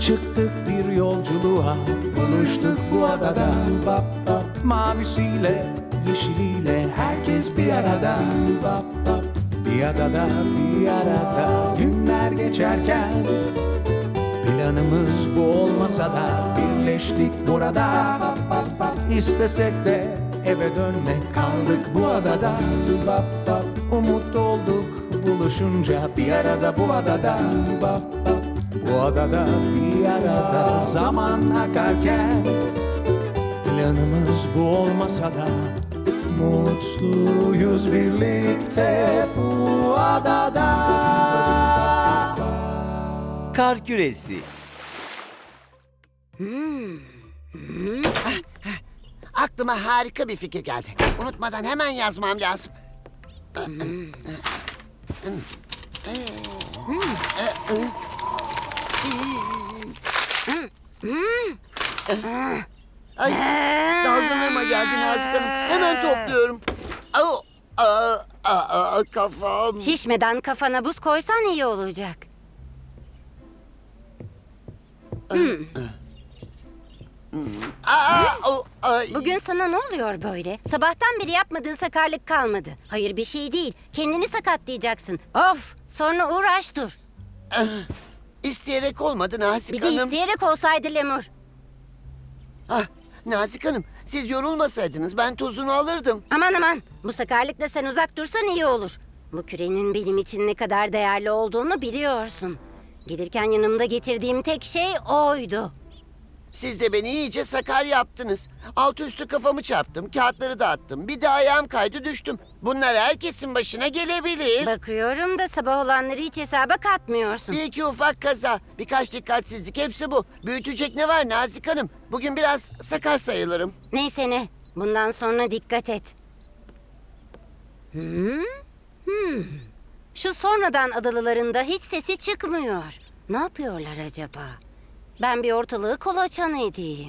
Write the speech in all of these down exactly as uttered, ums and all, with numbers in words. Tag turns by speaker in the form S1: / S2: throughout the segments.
S1: Çıktık bir yolculuğa, buluştuk bu adada. Bap bap, mavisiyle, yeşiliyle herkes bir arada. Bap bap, bir adada, bir arada. Günler geçerken planımız bu olmasa da birleştik burada. Bap bap bap, istesek de eve dönmek, kaldık bu adada. Bap bap, umut olduk buluşunca bir arada bu adada. Bap bap, bu adada bir arada. Zaman akarken planımız bu olmasa da mutluyuz birlikte bu adada.
S2: Kar küresi.
S3: Aklıma harika bir fikir geldi. Unutmadan hemen yazmam lazım. Ay, dalgınlığıma geldi Nazik Hanım. Hemen topluyorum. Au, aa, aa, kafam.
S4: Şişmeden kafana buz koysan iyi olacak.
S3: Aa, au, ay.
S4: Bugün sana ne oluyor böyle? Sabahtan beri yapmadığın sakarlık kalmadı. Hayır bir şey değil. Kendini sakatlayacaksın. Of! Sonra uğraş dur.
S3: İsteyerek olmadı Nazik
S4: Bir de
S3: Hanım.
S4: isteyerek olsaydı Lemur.
S3: Ah, Nazik Hanım, siz yorulmasaydınız ben tozunu alırdım.
S4: Aman aman. Bu sakarlıkla sen uzak dursan iyi olur. Bu kürenin benim için ne kadar değerli olduğunu biliyorsun. Gelirken yanımda getirdiğim tek şey oydu.
S3: Siz de beni iyice sakar yaptınız. Altı üstü kafamı çarptım, kağıtları dağıttım. Bir de ayağım kaydı düştüm. Bunlar herkesin başına gelebilir.
S4: Bakıyorum da sabah olanları hiç hesaba katmıyorsun.
S3: Bir iki ufak kaza, birkaç dikkatsizlik hepsi bu. Büyütecek ne var Nazik Hanım? Bugün biraz sakar sayılırım.
S4: Neyse ne. Bundan sonra dikkat et. Hmm? Hmm. Şu sonradan adalılarında hiç sesi çıkmıyor. Ne yapıyorlar acaba? Ben bir ortalığı kolaçan edeyim.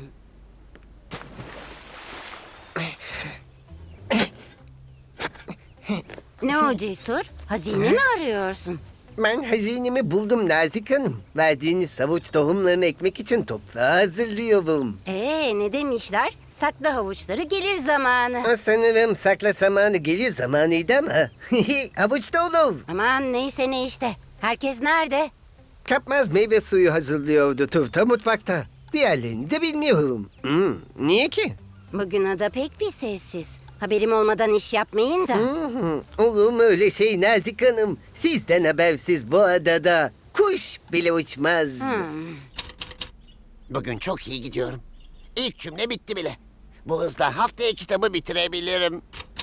S4: Ne o Cesur? Hazine mi arıyorsun?
S5: Ben hazinemi buldum Nazik Hanım. Verdiğiniz savuç tohumlarını ekmek için toprağı hazırlıyorum.
S4: Ee, ne demişler? Sakla havuçları gelir zamanı.
S5: Sanırım sakla zamanı gelir zamanıydı ama. Havuç da olur.
S4: Aman neyse ne işte. Herkes nerede?
S5: Kapmaz meyve suyu hazırlıyordu Turta mutfakta. Diğerlerini de bilmiyorum. Hmm, niye ki?
S4: Bugün ada pek bir sessiz. Haberim olmadan iş yapmayın da.
S5: Hmm, olur mu öyle şey Nazik Hanım? Sizden habersiz bu adada kuş bile uçmaz.
S4: Hmm.
S3: Bugün çok iyi gidiyorum. İlk cümle bitti bile. Bu hızla haftaya kitabı bitirebilirim.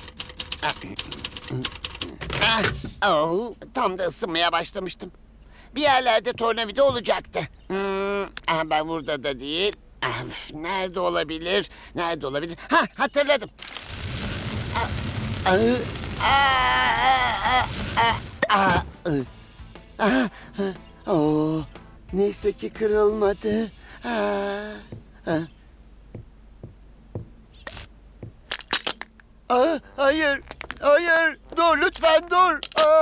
S3: Ah, oh, tam da ısınmaya başlamıştım. Bir yerlerde tornavida olacaktı. Hmm, ah, ben burada da değil. Ah, üf, nerede olabilir? Nerede olabilir? Ha, hatırladım. Ah, ah, ah, ah, ah, ah, ah, ah, oh, neyse ki kırılmadı. Ah, ah. Ah, hayır, hayır, dur lütfen dur.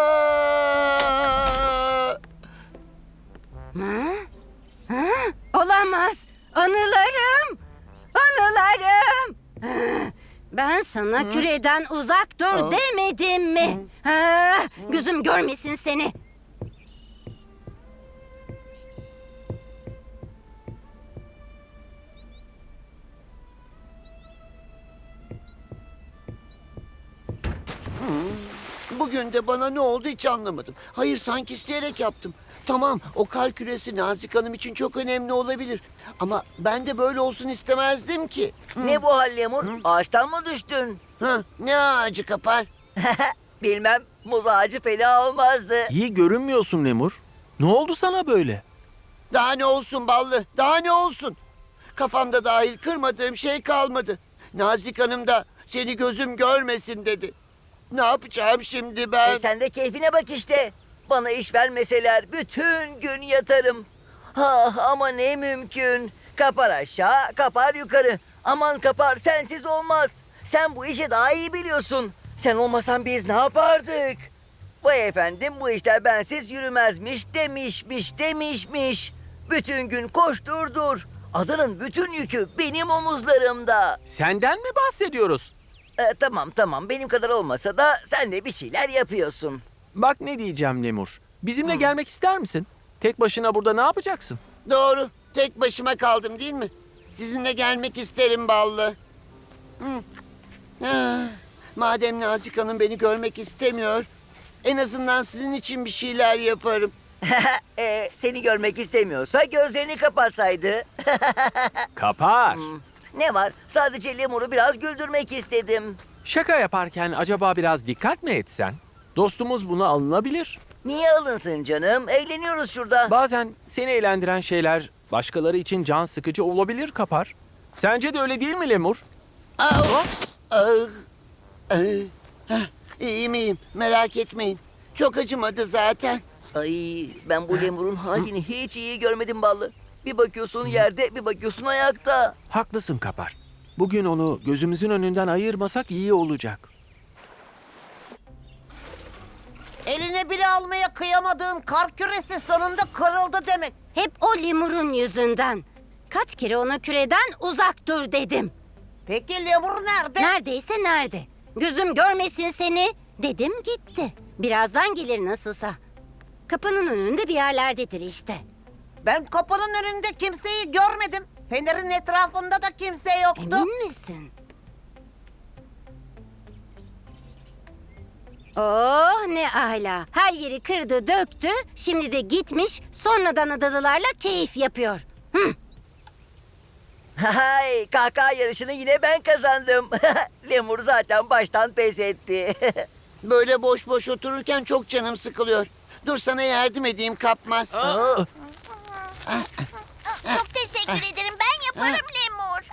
S3: Ah!
S4: Ha? Ha? Olamaz. Anılarım. Anılarım. Ha, ben sana küreden uzak dur demedim mi? Ha, gözüm görmesin seni.
S3: Bugün de bana ne oldu hiç anlamadım. Hayır sanki isteyerek yaptım. Tamam o kar küresi Nazik Hanım için çok önemli olabilir. Ama ben de böyle olsun istemezdim ki.
S6: Ne bu hal Lemur? Ağaçtan mı düştün?
S3: Ha, ne ağacı kapar?
S6: Bilmem, muz ağacı fena olmazdı.
S2: İyi görünmüyorsun Lemur. Ne oldu sana böyle?
S3: Daha ne olsun ballı, daha ne olsun? Kafamda dahil kırmadığım şey kalmadı. Nazik Hanım da seni gözüm görmesin dedi. Ne yapacağım şimdi ben?
S6: E sen de keyfine bak işte. Bana iş vermeseler bütün gün yatarım. Ah ama ne mümkün. Kapar aşağı, kapar yukarı. Aman kapar, sensiz olmaz. Sen bu işi daha iyi biliyorsun. Sen olmasan biz ne yapardık? Vay efendim bu işler bensiz yürümezmiş demişmiş demişmiş. Bütün gün koştur dur. Adanın bütün yükü benim omuzlarımda.
S2: Senden mi bahsediyoruz?
S6: E, tamam tamam benim kadar olmasa da sen de bir şeyler yapıyorsun.
S2: Bak ne diyeceğim Lemur. Bizimle gelmek ister misin? Tek başına burada ne yapacaksın?
S3: Doğru. Tek başıma kaldım değil mi? Sizinle gelmek isterim Ballı. Hı. Ah, madem Nazik Hanım beni görmek istemiyor, en azından sizin için bir şeyler yaparım.
S6: e, seni görmek istemiyorsa gözlerini kapatsaydı.
S2: Kapar.
S6: Ne var? Sadece Lemur'u biraz güldürmek istedim.
S2: Şaka yaparken acaba biraz dikkat mi etsen? Dostumuz buna alınabilir.
S6: Niye alınsın canım? Eğleniyoruz şurada.
S2: Bazen seni eğlendiren şeyler başkaları için can sıkıcı olabilir Kapar. Sence de öyle değil mi Lemur?
S3: Ah, ah, ah. Hah, İyi miyim? Merak etmeyin. Çok acımadı zaten.
S6: Ay ben bu Lemur'un halini hiç iyi görmedim Ballı. Bir bakıyorsun yerde, bir bakıyorsun ayakta.
S2: Haklısın Kapar. Bugün onu gözümüzün önünden ayırmasak iyi olacak.
S7: Eline bile almaya kıyamadığın kar küresi sonunda kırıldı demek.
S4: Hep o lemurun yüzünden. Kaç kere ona küreden uzak dur dedim.
S7: Peki lemur nerede?
S4: Neredeyse nerede? Gözüm görmesin seni dedim gitti. Birazdan gelir nasılsa. Kapının önünde bir yerlerdedir işte.
S7: Ben kapının önünde kimseyi görmedim. Fenerin etrafında da kimse yoktu.
S4: Emin misin? Oh ne ala. Her yeri kırdı döktü. Şimdi de gitmiş sonradan adalılarla keyif yapıyor. Hı.
S6: Hay kahkaha yarışını yine ben kazandım. Lemur zaten baştan pes etti.
S3: Böyle boş boş otururken çok canım sıkılıyor. Dur sana yardım edeyim Kapmaz.
S8: Çok teşekkür ederim. Ben yaparım Lemur.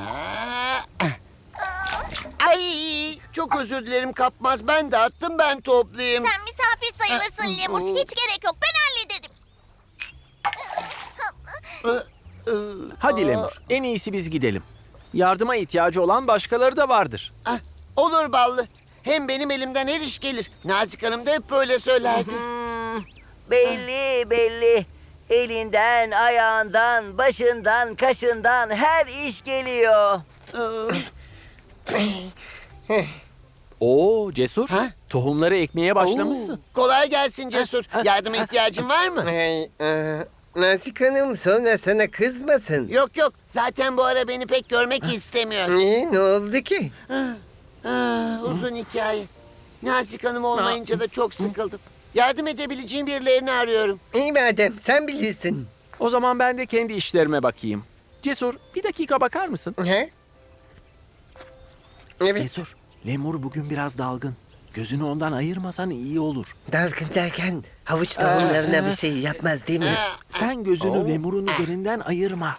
S3: Ay, çok özür dilerim Kapmaz. Ben dağıttım, ben toplayayım.
S8: Sen misafir sayılırsın Lemur. Hiç gerek yok. Ben hallederim.
S2: Hadi Lemur, en iyisi biz gidelim. Yardıma ihtiyacı olan başkaları da vardır.
S3: Ah, olur Ballı. Hem benim elimden her iş gelir. Nazik Hanım da hep böyle söylerdi.
S6: Hmm, belli belli. Elinden, ayağından, başından, kaşından her iş geliyor.
S2: Oo Cesur,
S3: Ha?
S2: tohumları ekmeye başlamışsın.
S3: Kolay gelsin Cesur. Yardıma ihtiyacın var mı?
S5: Hey, e, Nazik Hanım sonra sana kızmasın.
S3: Yok yok. Zaten bu ara beni pek görmek istemiyor.
S5: Niye, ne oldu ki?
S3: Ah, uzun hikaye. Nazik Hanım olmayınca da çok sıkıldım. Yardım edebileceğim birilerini arıyorum.
S5: İyi madem sen bilirsin.
S2: O zaman ben de kendi işlerime bakayım. Cesur, bir dakika bakar mısın?
S5: He? Evet.
S2: Cesur, Lemur bugün biraz dalgın. Gözünü ondan ayırmasan iyi olur.
S5: Dalgın derken havuç tohumlarına bir şey yapmaz değil mi?
S2: Sen gözünü Lemur'un üzerinden ayırma.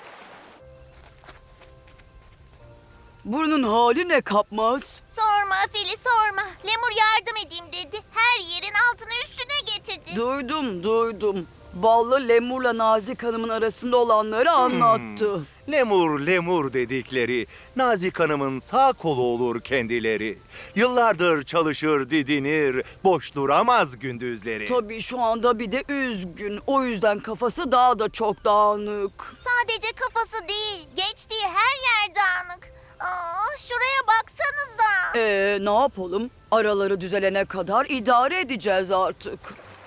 S9: Burnun hali ne Kapmaz?
S8: Sorma Fili sorma. Lemur yardım edeyim dedi. Her yerin altına üstüne getirdi.
S9: Duydum duydum. Ballı Lemur'la Nazik Hanım'ın arasında olanları anlattı.
S10: Lemur lemur dedikleri Nazik Hanım'ın sağ kolu olur kendileri. Yıllardır çalışır didinir, boş duramaz gündüzleri.
S9: Tabii şu anda bir de üzgün. O yüzden kafası daha da çok dağınık.
S8: Sadece kafası değil. Geçtiği her yer dağınık. Aa, şuraya baksanıza.
S9: Ee ne yapalım? Araları düzelene kadar idare edeceğiz artık.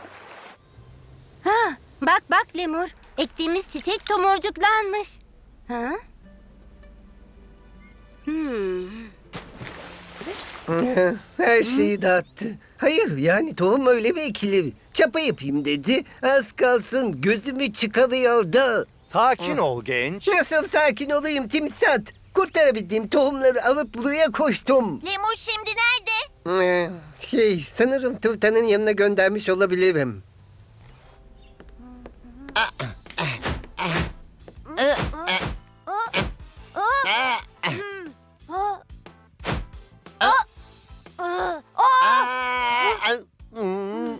S4: Ha, bak bak lemur. Ektiğimiz çiçek tomurcuklanmış. Ha? Hmm.
S5: Her şeyi dağıttı. Hayır yani tohum öyle mi ekilir? Çapa yapayım dedi. Az kalsın gözümü çıkamıyordu.
S10: Sakin ol genç.
S5: Nasıl sakin olayım Timsat? Kurtarabildiğim tohumları alıp buraya koştum.
S8: Lemur şimdi nerede?
S5: Ee, şey sanırım Tuğtan'ın yanına göndermiş olabilirim.
S3: Ah, hmm.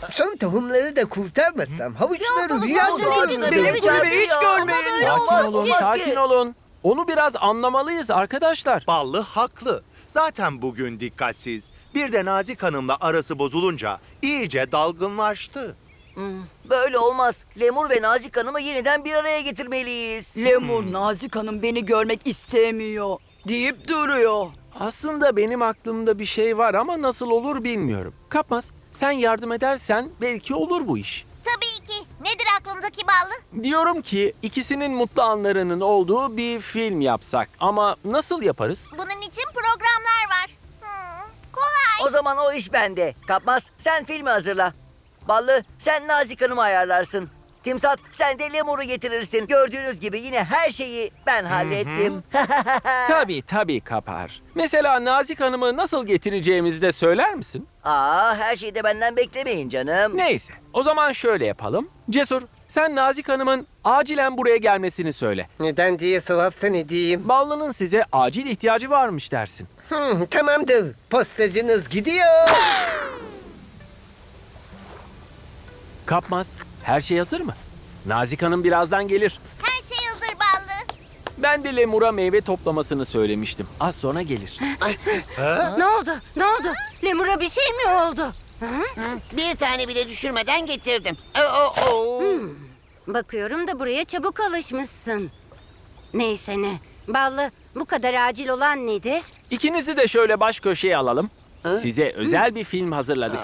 S5: Son tohumları da kurtarmasam havuçları
S8: Yok,
S5: rüya
S8: yok,
S5: görür.
S8: yok,
S9: Benim
S8: yok,
S9: kulübeyi
S8: yok,
S9: hiç
S8: yok.
S9: görmeyin.
S8: Ama böyle
S2: Sakin
S8: olmaz
S2: olun,
S8: ki.
S2: sakin olun. Onu biraz anlamalıyız arkadaşlar.
S10: Ballı haklı. Zaten bugün dikkatsiz. Bir de Nazik Hanım'la arası bozulunca iyice dalgınlaştı.
S6: Böyle olmaz. Lemur ve Nazik Hanım'ı yeniden bir araya getirmeliyiz.
S9: Lemur, Nazik Hanım beni görmek istemiyor deyip duruyor.
S2: Aslında benim aklımda bir şey var ama nasıl olur bilmiyorum. Kapmaz, sen yardım edersen belki olur bu iş.
S8: Tabii ki. Nedir aklındaki ballı?
S2: Diyorum ki ikisinin mutlu anlarının olduğu bir film yapsak. Ama nasıl yaparız?
S8: Bunun için programlar var. Hmm, kolay.
S6: O zaman o iş bende. Kapmaz, sen filmi hazırla. Ballı, sen Nazik Hanım'ı ayarlarsın. Timsat, sen de Lemur'u getirirsin. Gördüğünüz gibi yine her şeyi ben hallettim.
S2: Tabii tabii Kapar. Mesela Nazik Hanım'ı nasıl getireceğimizi de söyler misin?
S6: Aa, her şeyi de benden beklemeyin canım.
S2: Neyse, o zaman şöyle yapalım. Cesur, sen Nazik Hanım'ın acilen buraya gelmesini söyle.
S5: Neden diye sorarsan edeyim.
S2: Ballı'nın size acil ihtiyacı varmış dersin.
S5: Hmm, tamamdır. Postacınız gidiyor.
S2: Kapmaz, her şey hazır mı? Nazik Hanım birazdan gelir.
S8: Her şey hazır ballı.
S2: Ben de Lemur'a meyve toplamasını söylemiştim. Az sonra gelir.
S4: Ne oldu? Ne oldu? Lemur'a bir şey mi oldu?
S3: Bir tane bile düşürmeden getirdim. Oo, oo.
S4: Bakıyorum da buraya çabuk alışmışsın. Neyse ne. Ballı, bu kadar acil olan nedir?
S2: İkinizi de şöyle baş köşeye alalım. Size özel bir film hazırladık.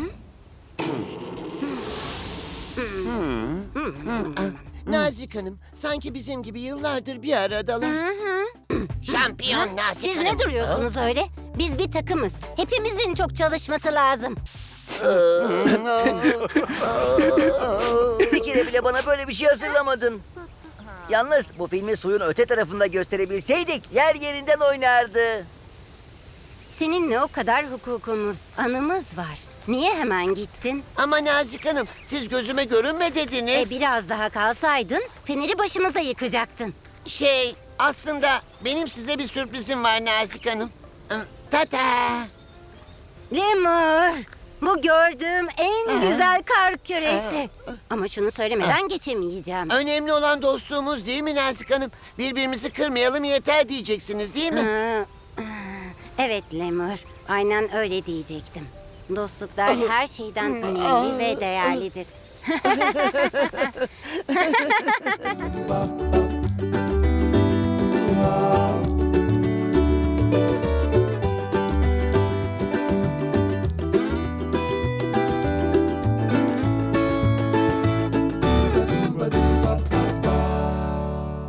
S3: Nazik Hanım, sanki bizim gibi yıllardır bir aradalar. Şampiyon Nazik
S4: Siz
S3: Hanım.
S4: ne duruyorsunuz öyle? Biz bir takımız. Hepimizin çok çalışması lazım.
S6: Bir kere bile bana böyle bir şey hazırlamadın. Yalnız bu filmi suyun öte tarafında gösterebilseydik yer yerinden oynardı.
S4: Seninle o kadar hukukumuz, anımız var. Niye hemen gittin?
S3: Ama Nazik Hanım, siz gözüme görünme
S4: E
S3: dediniz.
S4: biraz daha kalsaydın feneri başımıza yıkacaktın.
S3: Şey, aslında benim size bir sürprizim var Nazik Hanım. Hmm, Tata.
S4: Lemur, bu gördüğüm en güzel kar küresi. Ama şunu söylemeden geçemeyeceğim.
S3: Önemli olan dostluğumuz değil mi Nazik Hanım? Birbirimizi kırmayalım yeter diyeceksiniz değil mi?
S4: Ha, evet Lemur, aynen öyle diyecektim. Dostluklar her şeyden önemli ve değerlidir.